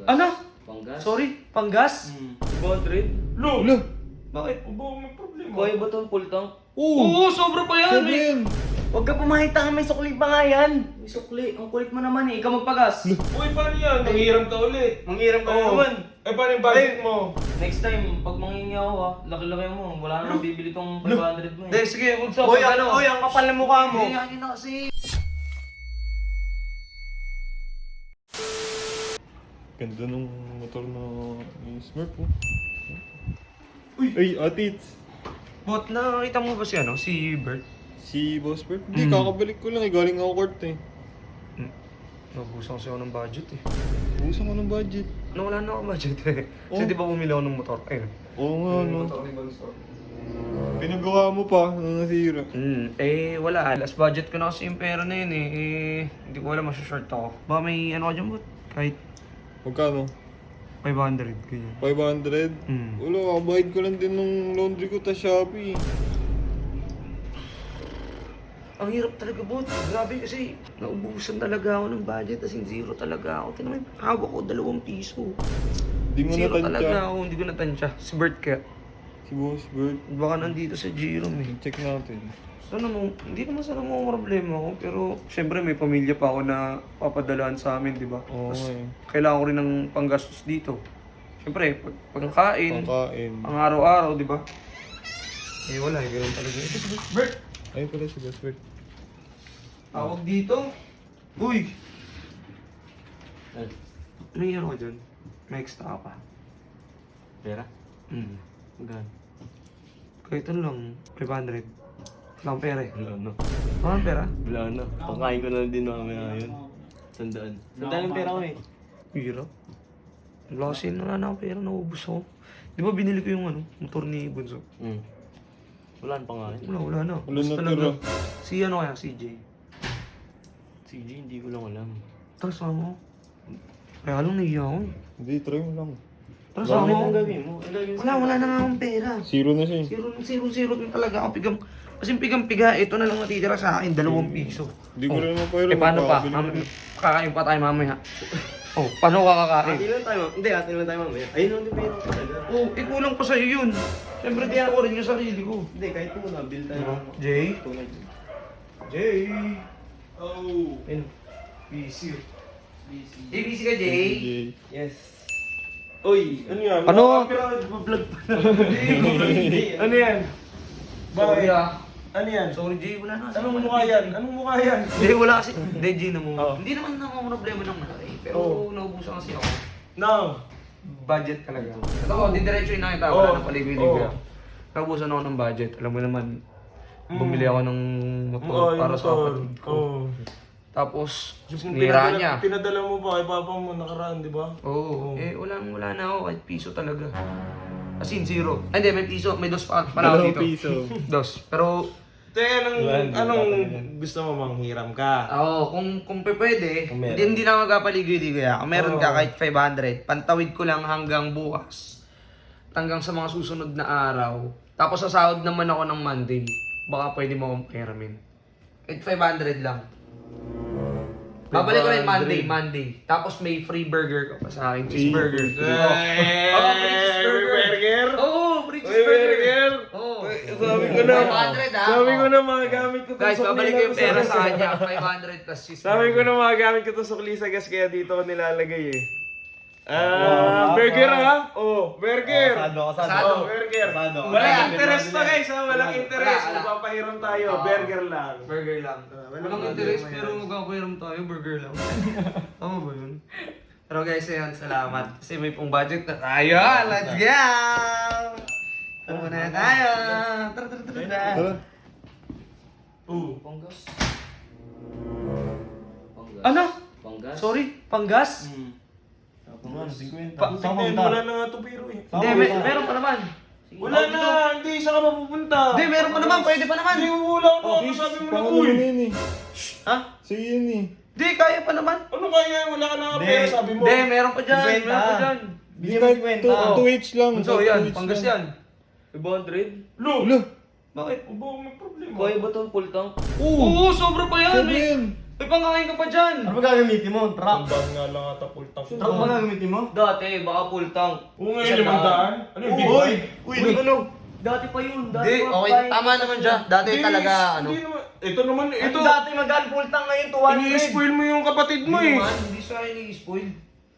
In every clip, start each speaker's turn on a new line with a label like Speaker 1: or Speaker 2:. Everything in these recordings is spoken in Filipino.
Speaker 1: Ano?
Speaker 2: Panggas.
Speaker 1: Sorry, panggas?
Speaker 2: 200?
Speaker 3: Lo!
Speaker 1: Bakit?
Speaker 3: Aba, may problema.
Speaker 2: Kaya ba ito full tank?
Speaker 1: Oo, sobra pa yan.
Speaker 3: Sabi yan.
Speaker 1: Huwag ka pumakita, may sukli pa nga yan.
Speaker 2: May sukli. Ang kulit mo naman eh. Ikaw magpagas.
Speaker 3: Uy, paano yan? Nanghiram ka ulit.
Speaker 1: Manghiram ka
Speaker 3: Oo.
Speaker 1: naman.
Speaker 3: Eh, paano yung budget mo?
Speaker 2: Next time, pag mangingi ako ha, laki-laki mo. Wala na nang bibili tong 500 mo
Speaker 1: Hindi,
Speaker 2: eh.
Speaker 1: sige, huwag sa
Speaker 4: Hoy,
Speaker 1: pag ano.
Speaker 4: Hoy, ang kapal ng mukha mo.
Speaker 2: Hindi, akin na kasi.
Speaker 3: Ganda nung motor na ni Smurf, oh. Uy! Ay, atits!
Speaker 1: Bot, nakita mo ba si ano, si Bert?
Speaker 3: Si Boss Smurf? Hindi, kakabalik ko lang eh. Galing ako court eh.
Speaker 1: Nabusan kasi ako ng budget eh.
Speaker 3: Ubusan ko ng budget.
Speaker 1: Nawala na ako budget eh. Kasi
Speaker 3: Oh.
Speaker 1: di ba bumili ako ng motor? Ayun.
Speaker 3: Oo nga, no.
Speaker 1: Motor ni Bonso.
Speaker 3: Pinagawa mo pa, nang nasira.
Speaker 1: Eh, wala. Last budget ko na kasi yung pera na yun eh. Hindi ko alam, masya-short ako. Baka may ano ka dyan, Bot? Kahit
Speaker 3: Magkano?
Speaker 1: 500, ganyan.
Speaker 3: 500? Wala, kabayad ko lang din nung laundry ko ta Shopee.
Speaker 1: Ang hirap talaga, Bot. Grabe kasi naubusan talaga ako ng budget. As in, zero talaga ako. Tinamay, hawak ko 2 piso.
Speaker 3: Di mo
Speaker 1: Zero talaga
Speaker 3: natansya.
Speaker 1: ako, hindi ko natansya. Si Bert kaya.
Speaker 3: Si Boss Bert.
Speaker 1: Baka nandito sa Jerome eh.
Speaker 3: Check natin.
Speaker 1: Sana mo, hindi naman sana mo problema ako. Pero, syempre may pamilya pa ako na papadalaan sa amin, di ba?
Speaker 3: Oo
Speaker 1: Tapos,
Speaker 3: eh.
Speaker 1: kailangan ko rin ng panggastos dito. Syempre, pagkain,
Speaker 3: Pangkain.
Speaker 1: pang araw-araw, di ba? Eh, wala eh. Ganun talaga. Ito si Bert!
Speaker 3: Ayun pala si Boss Bert.
Speaker 1: Tawag dito. Uy!
Speaker 2: Ano?
Speaker 1: May ano ka dyan? May extra ka pa.
Speaker 2: Pera?
Speaker 1: Magkano? Kahit ano lang, 500. Wala akong pera eh.
Speaker 2: Wala na.
Speaker 1: Wala akong pera?
Speaker 2: Wala na. Pangkain ko na lang din mamaya yun. Sandaan. Sandaan yung pera ko eh.
Speaker 1: Hirap. Wala kasi wala na akong pera, naubos ako. Di ba binili ko yung ano, motor ni Bunso?
Speaker 2: Wala na pangkain.
Speaker 1: Wala na.
Speaker 3: Wala
Speaker 1: Basta
Speaker 3: na tira.
Speaker 1: Si ano kaya, CJ.
Speaker 2: CJ, hindi ko lang alam.
Speaker 1: Tara, sama ko. Kaya lang nahiya ako eh.
Speaker 3: Hindi, try mo lang.
Speaker 1: Tara, sama
Speaker 2: Bakit
Speaker 1: ko.
Speaker 2: ang gawin mo? Ang gawin mo?
Speaker 1: Wala na nga akong pera.
Speaker 3: Zero na siya eh.
Speaker 1: Zero din talaga ako. Kasi pigang-piga, ito na lang natitira sa akin, 2 piso.
Speaker 3: Hindi ko rin naman pa yun.
Speaker 1: Eh, paano pa?
Speaker 3: Makakabili ko rin.
Speaker 1: Kakain pa tayo mamaya. Oh, paano ka kakain?
Speaker 2: Ate lang tayo. Hindi, ate lang tayo mamaya. Ayun lang din pera ko talaga.
Speaker 1: Oh, kulang pa sa'yo yun. Siyempre, tiyan ko rin yung sarili ko.
Speaker 2: Hindi, kahit mo na, bill tayo.
Speaker 1: Jay?
Speaker 2: Tunay.
Speaker 1: Jay?
Speaker 3: Oh.
Speaker 1: Ayun. Busy. Jay, busy ka, Jay?
Speaker 3: Jay.
Speaker 2: Yes.
Speaker 3: Uy, ano yan?
Speaker 1: Ano?
Speaker 3: Vlog pa.
Speaker 1: Ano yan? Sorry ah.
Speaker 3: Ano yan?
Speaker 1: Sorry, Jay. Wala na.
Speaker 3: Anong mukha yan? Anong mukha yan?
Speaker 1: Hindi, wala kasi. Hindi, Jay,
Speaker 3: Oh.
Speaker 1: Hindi naman ako problema ng malaki. Pero naubusan kasi ako.
Speaker 3: No.
Speaker 1: Budget talaga. Ito ko, didiretso na kita.
Speaker 3: Oh.
Speaker 1: Wala nang paligoy-ligoy.
Speaker 3: Oh.
Speaker 1: Naubusan ako ng budget. Alam mo naman, bumili ako ng motor para sa kapatid ko.
Speaker 3: Oo.
Speaker 1: Tapos,
Speaker 3: Diyos,
Speaker 1: nira niya.
Speaker 3: Pinadala mo ba kay papa mo nakaraan, di ba?
Speaker 1: Oo. Eh, wala na ako. Kahit piso talaga. As in, zero. Ay, hindi, may piso. May dos pa ako dito. Dos. Pero,
Speaker 3: Teka, anong gusto mo manghiram ka?
Speaker 1: kung pwede,
Speaker 2: Kung meron.
Speaker 1: hindi na magkapaligoy-ligoy. Kung meron ka kahit 500, pantawid ko lang hanggang bukas. Hanggang sa mga susunod na araw. Tapos sasahod naman ako ng Monday. Baka pwede mo akong peramin. Kahit 500 lang. Babalik ko rin Monday. Tapos may free burger ka pa sa akin. Cheeseburger. Free cheeseburger. Oo, free cheeseburger. Oo.
Speaker 3: Sabi ko na,
Speaker 1: 500 ah.
Speaker 3: sabi ko na magagamit ko to
Speaker 1: Guys,
Speaker 3: sa
Speaker 1: babalik ko yung
Speaker 3: Klisa
Speaker 1: pera
Speaker 3: Gas.
Speaker 1: sa kanya. 500 plus cheeseburger.
Speaker 3: Sabi ko na magagamit ko to sa Klisa Gas kaya dito ko nilalagay eh. Burger ha? Oh, burger.
Speaker 1: Asado.
Speaker 3: Oh, burger.
Speaker 4: Asado.
Speaker 3: Walang interest to guys ha, walang
Speaker 1: Wala,
Speaker 3: interest.
Speaker 1: wala.
Speaker 3: Mapapahiram tayo,
Speaker 1: Oo.
Speaker 3: burger lang.
Speaker 1: Burger lang.
Speaker 3: walang
Speaker 1: Walang
Speaker 3: burger
Speaker 1: interest
Speaker 3: mo
Speaker 1: pero
Speaker 3: yan.
Speaker 1: magkakairam tayo, burger lang. Tama ba yun? Pero guys, ayun, salamat. Kasi may pong budget na tayo. Let's go! Tara na tayo! Tara.
Speaker 2: Panggas.
Speaker 1: Ano?
Speaker 2: Panggas?
Speaker 1: Sorry, panggas?
Speaker 4: Ano, 50.
Speaker 3: Tingnan mo, wala na nga to biro eh.
Speaker 1: Hindi, meron pa naman.
Speaker 3: Wala na, hindi siya ka mapupunta.
Speaker 1: Hindi, meron pa naman, pwede pa naman.
Speaker 3: Hindi mo wala na, sabi mo na uy.
Speaker 1: Ha?
Speaker 3: Sige yun eh.
Speaker 1: Hindi, kaya pa naman.
Speaker 3: Ano kaya, wala ka na nga
Speaker 4: Hindi.
Speaker 3: pera, sabi mo.
Speaker 1: Hindi, meron pa dyan.
Speaker 4: 50.
Speaker 1: Meron pa dyan.
Speaker 4: Bigyan mo 50.
Speaker 3: 2H lang.
Speaker 1: So, yan, panggas yan.
Speaker 2: 500?
Speaker 3: Lo!
Speaker 1: Bakit?
Speaker 3: Aba, may problema.
Speaker 2: Kaya ba ito full tank?
Speaker 1: Oo, sobra pa yan.
Speaker 3: Sabi yan.
Speaker 1: May pangkain ka pa dyan!
Speaker 4: Ano ba gagamitin mo? Truck?
Speaker 3: Sandaan nga lang ata full tank.
Speaker 4: Truck ba gagamitin mo?
Speaker 2: Dati, baka full tank.
Speaker 3: Oo nga
Speaker 2: Isang
Speaker 3: yung 500. Ano yung big bike?
Speaker 4: Uy, ano?
Speaker 2: Dati pa yun. Dati
Speaker 1: Hindi,
Speaker 2: pa,
Speaker 1: okay,
Speaker 2: pa-
Speaker 1: tama naman siya. Dati
Speaker 3: Hindi,
Speaker 1: talaga, ano.
Speaker 3: Hindi naman. Ito naman, ito.
Speaker 4: Ito dati magaan full tank ngayon, 200.
Speaker 3: Ini-spoil mo yung kapatid mo
Speaker 1: Hindi
Speaker 3: eh.
Speaker 1: naman, hindi siya ini-spoil.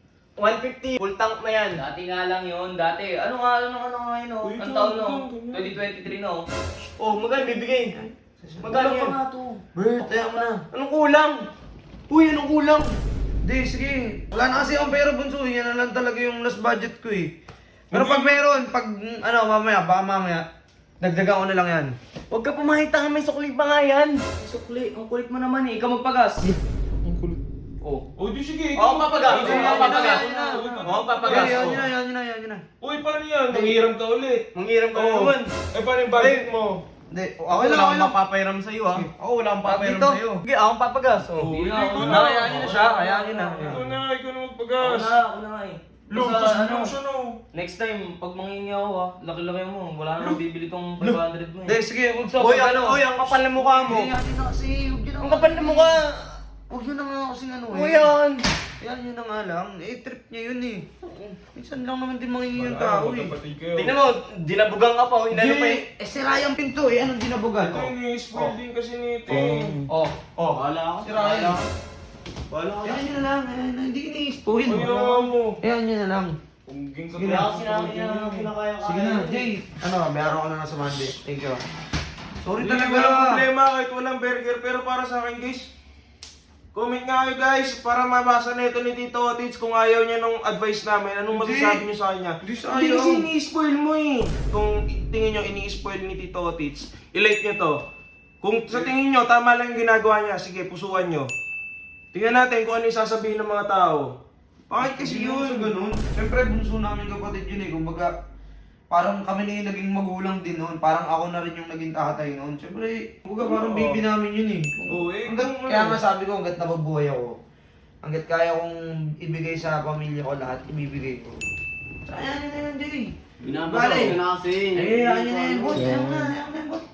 Speaker 4: 150, full tank na yan.
Speaker 2: Dati nga lang yun, dati. Ano nga yun, oh?
Speaker 3: Uy,
Speaker 2: Ang
Speaker 3: ito,
Speaker 2: taon, no?
Speaker 3: ito,
Speaker 2: 2023, no?
Speaker 4: Oh, magkano bibigay? Magkano
Speaker 2: Magkano
Speaker 4: yan?
Speaker 2: pa nga to?
Speaker 1: Bert, ayaw mo na.
Speaker 4: Anong kulang? Uy, anong kulang?
Speaker 1: Hindi, sige. Wala na kasi akong pera, bunso. Yan na lang talaga yung last budget ko eh. Pero pag meron, pag ano, baka mamaya, dagdagan ko na lang yan.
Speaker 4: Huwag ka pumahitang, may sukli pa nga yan.
Speaker 2: Sukli, ang kulit mo naman eh. Ikaw magpagas.
Speaker 3: Ang kulit.
Speaker 2: Oh.
Speaker 3: O di sige.
Speaker 4: Oo, papagas.
Speaker 1: Sige,
Speaker 4: Oo, papagas.
Speaker 1: yan na.
Speaker 4: Oo, papagas.
Speaker 1: Yan yun na, yan yun na, yan yun na.
Speaker 3: Uy, paano yan? Nanghiram ka ulit.
Speaker 4: Manghiram ka na
Speaker 3: Oo.
Speaker 4: naman.
Speaker 3: Eh, paano yung budget mo?
Speaker 1: Hindi,
Speaker 4: Ako
Speaker 1: okay lang,
Speaker 4: wala
Speaker 1: okay
Speaker 4: akong
Speaker 1: lang.
Speaker 4: mapapairam sa'yo ha. Ako wala akong papairam
Speaker 1: Dito.
Speaker 4: sa'yo. Sige, akong papagas. Oh.
Speaker 3: Oo,
Speaker 2: Hindi na,
Speaker 3: ikaw
Speaker 2: ako
Speaker 3: na.
Speaker 2: na.
Speaker 1: Hayaan nyo na siya, hayaan nyo na.
Speaker 3: Ikaw na, ikaw na
Speaker 2: Ako
Speaker 3: magpagas.
Speaker 2: ako na nga eh.
Speaker 3: Lutos
Speaker 2: Basta,
Speaker 3: mo siya no.
Speaker 2: next time, pag mangingi ako laki-laki mo. Wala na nang bibili tong 500 mo
Speaker 1: Hindi,
Speaker 2: eh.
Speaker 1: sige, kung sa
Speaker 4: Uy,
Speaker 1: pag
Speaker 4: ano? Uy, ang kapal na mukha mo.
Speaker 1: Hindi, yan na kasi, huwag yun na
Speaker 4: Ang
Speaker 1: nga.
Speaker 4: kapal na mukha.
Speaker 1: Huwag yun na nga kasing ano eh.
Speaker 4: Uy, yan.
Speaker 1: Yan yun na nga lang. Eh, trip niya yun eh. Minsan lang naman din mangingi yung tao eh.
Speaker 3: Magkapatid kayo.
Speaker 4: Tingnan mo, dinabugang ka pa. Oh, inano pa eh.
Speaker 1: Eh, sira yung pinto eh. Anong dinabugan?
Speaker 3: Ito yung spoil din kasi ni Ting.
Speaker 1: Oh.
Speaker 4: Oh,
Speaker 2: Wala ako.
Speaker 1: Sira yan.
Speaker 4: Wala ka.
Speaker 1: Yan yun na lang. Hindi ini-spoil.
Speaker 3: Ayaw mo.
Speaker 1: Yan yun na lang.
Speaker 3: Pungging ka
Speaker 1: Sige
Speaker 2: Wala
Speaker 1: na.
Speaker 2: kasi namin na kinakaya.
Speaker 1: Sige na, Jay. Ano, bayaran ko na lang sa Monday. Thank you. Sorry
Speaker 3: Hindi
Speaker 1: talaga.
Speaker 3: walang problema kahit walang burger. Pero para sa akin guys, comment nga kayo guys para mabasa na ito ni Tito Otits kung ayaw niya nung advice namin. Anong
Speaker 1: Hindi.
Speaker 3: masasabi niyo sa kanya?
Speaker 1: Hindi sa
Speaker 3: Hindi
Speaker 1: ayaw.
Speaker 3: kasi ini-spoil mo eh. Kung tingin niyo ini-spoil ni Tito Otits, i-like niyo to. Kung sa tingin niyo tama lang yung ginagawa niya, sige pusuan niyo. Tingnan natin kung ano yung sasabihin ng mga tao.
Speaker 1: Bakit kasi yun? Ganun. Siyempre, bunso namin kapatid yun eh. Kumbaga, parang kami na yung naging magulang din noon. Parang ako na rin yung naging tatay noon. Siyempre, kumbaga parang baby namin yun eh.
Speaker 3: Oo, eh,
Speaker 1: Kaya nga sabi ko, hanggat nababuhay ako, hanggat kaya kong ibigay sa pamilya ko lahat, ibibigay ko. Sayang na yun, Jay.
Speaker 2: Binabasa ko na kasi.
Speaker 1: Eh, ayun na yun, bot. Ayun na, bot.